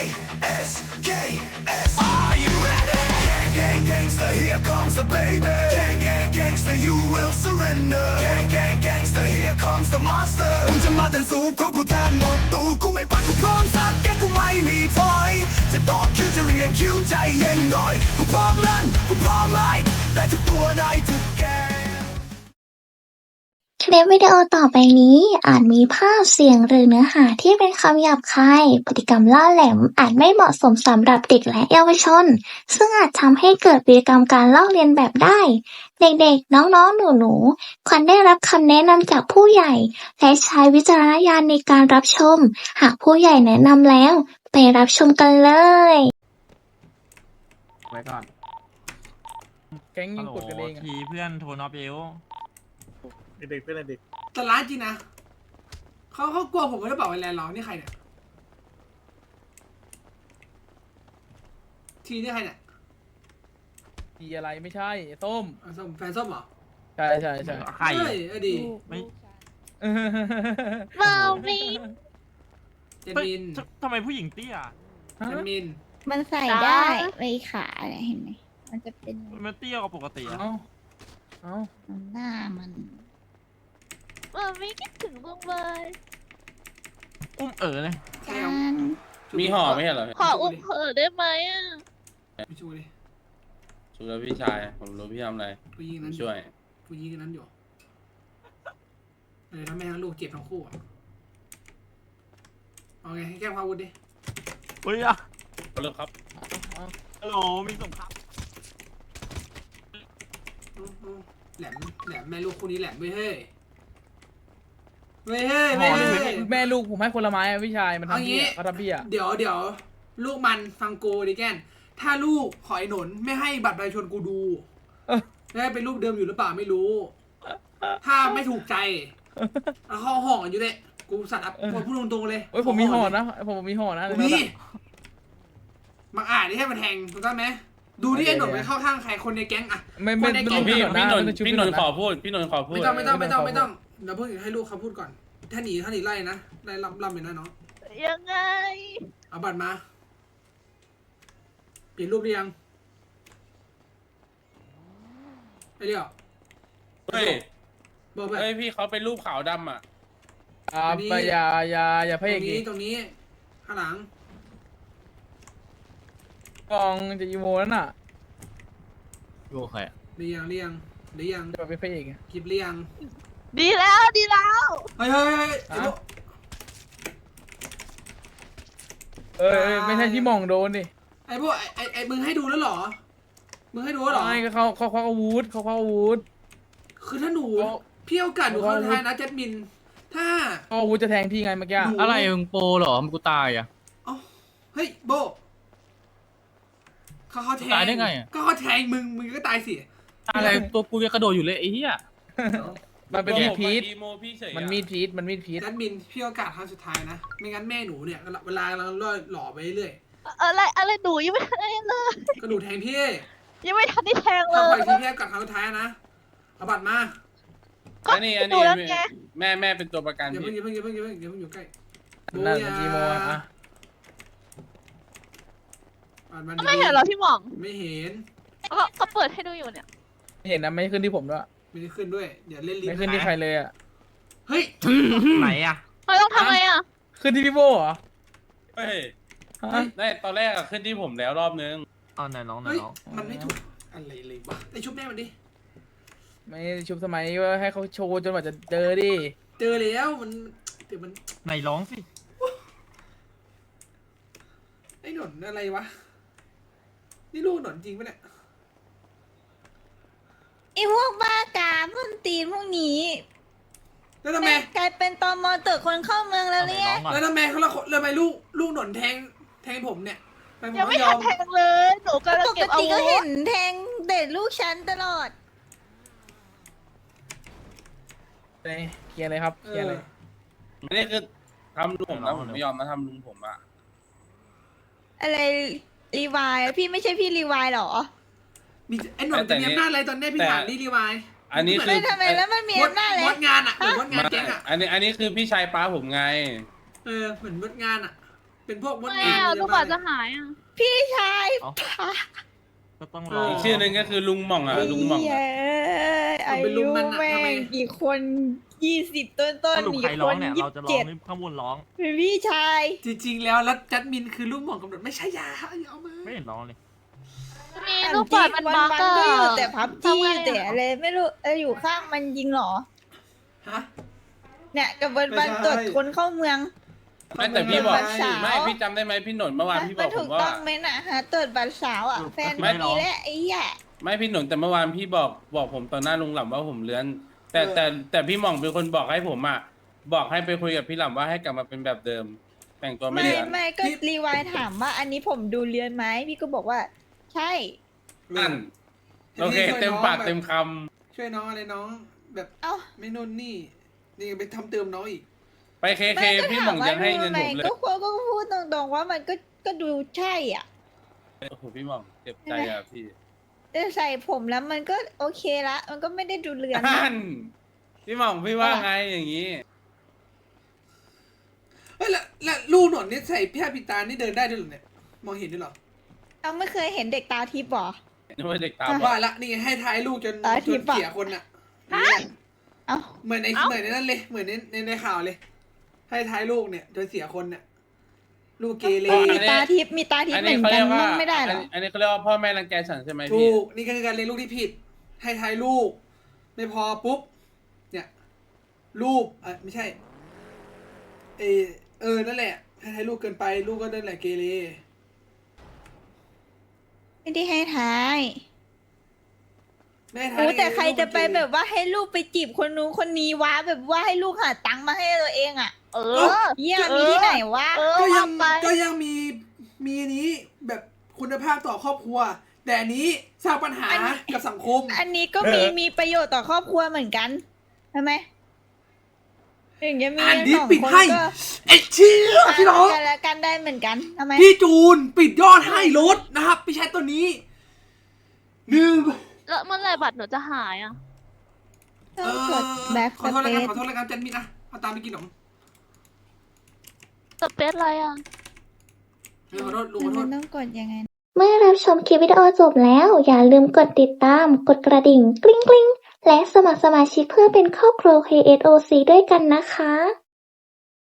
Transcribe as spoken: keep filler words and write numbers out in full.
S K S Are you ready? Gang gang gangster here comes the baby Gang gang gangster you will surrender Gang gang gangster here comes the monster มึงจะมาแต่สู้เพราะกูแทนหมดตัวกูไม่ปัดกูพร้อมสักแกกูไม่มีถอยจะตอบคิวจะเรียนคิวใจเย็นหน่อยกูพร้อมรันกูพร้อมไล่แต่ทุกตัวได้ทุกแกคลิปวิดีโอต่อไปนี้อาจมีภาพเสียงหรือเนื้อหาที่เป็นคำหยาบคายพฤติกรรมล่าแหลมอาจไม่เหมาะสมสำหรับเด็กและเยาวชนซึ่งอาจทำให้เกิดพฤติกรรมการลอกเลียนแบบได้เด็กๆน้องๆหนูๆควรได้รับคำแนะนำจากผู้ใหญ่และใช้วิจารณญาณในการรับชมหากผู้ใหญ่แนะนำแล้วไปรับชมกันเลยไว้ก่อนแก๊งยิงกดกันเองทีเพื่อนโทนอฟเอลเด็กๆเพื่อนเด็กแต่ร้านจริงนะเขาเขากลัวผมไม่ได้บอกไอ้แลนด์หรอนี่ใครเนี่ยทีนี่ใครเนี่ยทีอะไรไม่ใช่ส้มส้มแฟนส้มเหรอใช่ใช่ใช่ใครเอ้ยดีไม่มาวิเจมินทำไมผู้หญิงเตี้ยเจมินมันใส่ได้ไว้ขาเนี่ยเห็นไหมมันจะเป็นมันเตี้ยกว่าปกติอ่ะเอ้าหน้ามันมาวิคิดถึงบ้างเลยอุ้มเอ๋อเลยมีห่อไม่ใช่เหรอขออุ้มเอ๋อได้ไหมอ่ะไม่ช่วยดิช่วยแล้วพี่ชายผมรู้พี่ทำอะไรผู้หญิงนั้นช่วยผู้หญิงนั้นอยู่เลยทำแม่ทั้งลูกเจ็บทั้งคู่เอาไงให้แก้ความวุฒิดิเฮ้ยอ่ะเลิกครับฮัลโหลมีสงครามแหลมแหลมแม่ลูกคู่นี้แหลมเว้ยเฮ้ยเว้ยเฮ้ยเว้ยแม่ลูกผมให้คนละไม้พี่ชายมันทำพี่เขาทำพี่อ่ะเดี๋ยวเดี๋ยวลูกมันฟังกูดิแกนถ้าลูกขอไอ้หนนไม่ให้บัตรประชาชนกูดูได้เป็นลูกเดิมอยู่หรือเปล่าไม่รู้ถ้าไม่ถูกใจแล้วเขาห่อกันอยู่เลยกูสัตว์อัพพูดตรงๆเลยโอ้ยผมมีห่อนะผมมีห่อนะมีมังอ่านนี่ให้มันแทงถูกต้องไหมดูที่ไอ้หนนไปเข้าข้างใครคนในแก๊งอะไม่ไม่ไม่พี่พี่นนพี่นนขอพูดพี่นนขอพูดไม่ต้องไม่ต้องไม่ต้องไม่ต้องเดี๋ยวเพิ่งให้ลูกเขาพูดก่อนถ้าหนีถ้าหนีไล่นะไล่ล่ำล่ำไปนะน้องยังไงเอาบัตรมาเปลี่ยนรูปหรือยังไอ้เดียวเฮ้ยบอกไปเฮ้ยพี่เขาเป็นรูปขาวดำอ่ะอ่าไปอย่าอย่าอย่าพยายามตรงนี้ตรงนี้ข้างหลังกองจะอีโมนั่นน่ะโอเคเรียงเรียงเรียงจะไปพยายามคลิปเรียงดีแล้วดีแล้วเฮ้ยเฮ้ยเออไม่ใช่ที่มองโดนดิไอ้พวกไอ้ไอ้มึงให้ดูแล้วหรอมึงให้ดูแล้วหรอไม่เขาเขาเขาอาวุธเขาเขาอาวุธคือถ้าหนูพี่โอกาสหนูเข้าทายนะแจดมินถ้าอาวุธจะแทงพี่ไงเมื่อกี้อะไรมึงโปหรอมึงกูตายอ่ะอ๋อเฮ้ยโบเขาเขาแทงตายได้ไงก็เขาแทงมึงมึงก็ตายสิอะไรตัวกูยังกระโดดอยู่เลยไอ้เหี้ยมันเป็นมีดพีชมันมีดพีชมันมีดพีชแจดมินพี่โอกาสครั้งสุดท้ายนะไม่งั้นแม่หนูเนี่ยเวลาเราหล่อไปเรื่อยอะไรอะไรหนูยังไม่ทันเลยก็หนูแทงพี่ยังไม่ทันได้แทงเลยทำไปทีพี่กับครั้งสุดท้ายนะเอาบัตรมาอันนี้อันนี้แม่แม่เป็นตัวประกันอย่าเพิ่งอย่าเพิ่งอย่าเพิ่งอย่าเพิ่งอย่าเพิ่งอยู่ใกล้นั่นจีโมอ่ะไม่เห็นเหรอพี่หม่องไม่เห็นเขาเขาเปิดให้ดูอยู่เนี่ยเห็นนะไม่ขึ้นที่ผมด้วยไม่ได้ขึ้นด้วยเดี๋ยวเล่นลิ้นไม่ขึ้นที่ใครเลยอ่ะเฮ้ยไหนอ่ะเราต้องทำไงอ่ะขึ้นที่พี่โบเหรอเฮ้ยได้ตอนแรกขึ้นที่ผมแล้วรอบนึงอ๋อไหนน้องไหนน้องมันไม่ถูกอะไรเลยวะไอชุบแม่มันดิไม่ชุบสมัยว่าให้เขาโชว์จนกว่าจะเจอดิเจอแล้วมันเดี๋ยวมันไหนร้องสิไอ้หนนอะไรวะนี่ลูกหนนจริงปะเนี่ยไอ้พวกบ้ากาพวกตีนพวกนี้แล้วทำไมกลายเป็นตอมอเตอร์คนเข้าเมืองแล้วเนี่ยแล้วทำไมเขาละแล้วทำไมลูกลูกหนนแทงแทงผมเนี่ยยังไม่ทันแทงเลยหนูกำลังเก็บอาวุธปกติก็เห็นแทงเด็ดลูกฉันตลอดเคลียร์เลยครับเคลียร์เลยไม่ได้คือทำลุงผมนะผมไม่ยอมนะทำลุงผมอะอะไรรีวายพี่ไม่ใช่พี่รีวายหรอมีไอ้หนนจะมีอำนาจอะไรตอนนี้พี่ถามนี่รีวายอันนี้คือทำไมแล้วมันมีอำนาจเลยมดงานอะเหมือนมดงานแก๊งอะอันนี้อันนี้คือพี่ชายป้าผมไงเออเหมือนมดงานอะเป็นพวกมดไม่แดงเอาเลยตัวกว่าจะหายอ่ะพี่ชายเอ้าพาก็ต้องรออีกชื่อหนึ่งก็คือลุงหม่องอ่ะลุงหม่องเย้เอาอาไปลุยุมมันอะแม่ทำไมงกี่คนยี่สิบต้นต้นสรุปอีใครกร้คองนเนี่ยยี่เราสิจะบร้องเจ็ดนี่ข้างบนร้องเป็นพี่ชายจริงๆแล้วแล้วจัดมินคือลูกหม่องกำหนดไม่ใช่ยาอย่าเอามาไม่เห็นร้องเลยมีลูกเปิดมันบักวันอะๆก็อยู่แต่พับทำจี้ไงแต่อะอะไรไม่รู้เอออยู่ข้างมันจริงเหรอฮะเนี่ยกับวันไม่วันใช่ตรวจคนเข้าเมืองไม่แต่พี่บอกวันสาวไม่พี่จำได้ไหมพี่หนนเมื่อวานพี่บมัอน กผถูมกว่าต้องไหมนะฮะตรวจบัตรสาวอ่ะถูกแฟนไม่ไม่หรอมีและไอ้แย่ไม่พี่หนนแต่เมื่อวานพี่บอกบอกผมต่อหน้าลุงหล่ำว่าผมเลื้อน แต่แต่แต่พี่หม่องเป็นคนบอกให้ผมอ่ะบอกให้ไปคุยกับพี่หล่ำว่าให้กลับมาเป็นแบบเดิม แต่งตัวไม่ไม่เลื้อนไม่ก็รีวายถามว่าอันนี้ผมดูเรียนไหมพี่ก็บอกว่า ใช่นั่นโอเคเต็มปากเต็มคช่วยน้องอะไรน้องแบบเอ้าไม่นู่นนี่นี่ไปทำเติมน้องอีกำไปเคเคไม่ก็พี่หถาม่มองว่ายังให้ดูเงินไหมผมเลยก็ควรก็พูดตรงๆว่ามันก็ก็ดูใช่อ่ะโอ้โหพี่หม่องเจ็บใจอ่ะพี่แต่ใส่ผมแล้วมันก็โอเคละ มันก็ไม่ได้ดูเรือนนั่นพี่หม่องพี่ว่าไงอย่างนี้เฮ้ยแล้วแล้วลูกหนอนนี่ใส่ผ้าปิดตานี่เดินได้ด้วยเหรอเนี่ยมองเห็นด้วยเหรอเราไม่เคยเห็นเด็กตาทิพย์หรอนึกว่าเด็กตาบอว่าดละนี่ไงให้ท้ายลูกจนตาทิจพนย์อะเสียคนอ่ะเอ้าเหมือนในเหมือนในนั้นเลยเหมือนในในในข่าวเลย ให้ท้ายลูกเนี่ยจนเสียคนเนี่ยลูกเกเรมีตาทิพย์มีตาทิพอัย์นเหมืนี้อนเขากัเรีนยกว่ามั่งไม่ได้เหรออันนี้เขาเรียกว่าพ่อแม่รังแกฉันใช่ไหมถูพี่กนี่คือการเลี้ยงลูกที่ผิด ให้ท้ายลูก ไม่พอปุ๊บเนี่ยรูปอ่ะไม่ใช่เออเออนั่นแหละให้ท้ายลูกเกินไปลูกก็นั่นแหละเกเรไม่ได้ให้ท้ายไม่ให้ท้ายโอ้ได้ไงแต่ใครลูกจะมันไปเกเรแบบว่าให้ลูกไปจีบคนนู้นคนนี้วะแบบว่าให้ลูกหาตังค์มาให้ตัวเองอ่ะเอเอ้าอเยี่ยมีที่ไหนวะเออก็ยังว่าไปก็ยังมีมีอันนี้แบบคุณภาพต่อครอบครัว แต่อันนี้สร้างปัญหากับสังคมอันนี้ก็มีมีประโยชน์ต่อครอบครัวเหมือนกันใช่ไหมถึงจะมีอ่านดิสองปิดคนให้ก็ไอ้เชี่ยพี่น้องกันและกันได้เหมือนกันทำไมพี่จูนปิดยอดให้รถนะครับพี่ใช้ตัวนี้หนึ่งแล้วเมื่อไหรบัตรหนูจะหายอ่ะต้องกดแบ็คขอโทษแล้วกันสขอเปโทษแล้วกันจันมิดนะเอาตามไปกินขนมสเปซอะไรอ่ะเออขอโทษลุงซขอโทมัษนต้องกดยังไงเมื่อรับชมคลิปวิดีโอจบแล้ว อย่าลืมกดติดตาม กดกระดิ่งกริ๊งกริ๊งและสมัครสมาชิกเพื่อเป็นครอบครัว เค เอส โอ ซี ด้วยกันนะคะ